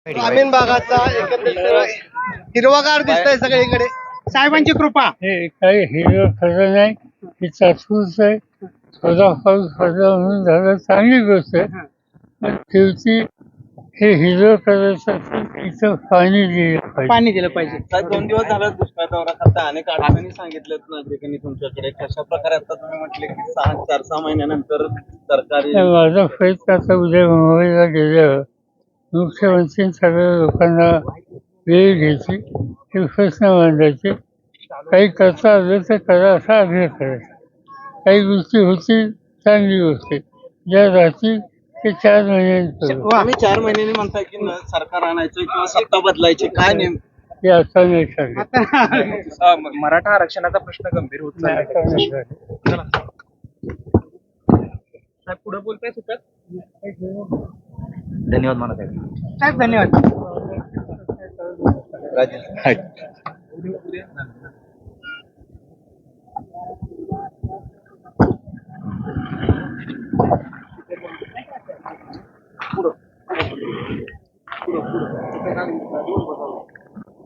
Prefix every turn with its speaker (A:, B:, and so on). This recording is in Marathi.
A: ग्रामीण भागाचा एकंदरीत हिरवागार दिसतंय सगळीकडे. साहेबांची कृपा.
B: हे काही हिरवं खरं नाही, ही चाचूच आहे. थोडा पाऊस पडला म्हणून झालं, चांगली गोष्ट आहे. पण शेवटी हे हिरवं करायचं असेल इथं पाणी दिलं पाहिजे.
A: पाणी दिलं पाहिजे.
C: साहेब 2 दिवस झाला दुष्काळ दौरा करता अनेक अडचणी सांगितल्यात नागरिकांनी तुमच्याकडे. कशा प्रकारे आता तुम्ही म्हटले की 4-6 महिन्यानंतर सरकारी
B: तर माझा प्रयत्न आता उद्या मुंबईला गेल्यावर मुख्यमंत्री सगळ्या लोकांना वेळ घ्यायची, हे प्रश्न मांडायचे. काही करता आलं तर करा असा आग्रह करायचा. काही गोष्टी होतील, चांगली गोष्ट आहे. ज्या राहतील ते 4 महिन्यांनी करू.
C: तुम्ही 4 महिन्यांनी म्हणताय की सरकार आणायचं किंवा सत्ता बदलायची, काय
B: हे आता नाही सांगत.
D: मराठा आरक्षणाचा प्रश्न गंभीर होत
B: नाही,
D: चाललाय.
B: आता नाही सांगत.
D: साहेब पुढे बोलताय सुद्धा.
E: धन्यवाद म्हणत आहे.
A: साहेब धन्यवाद.
C: राजेश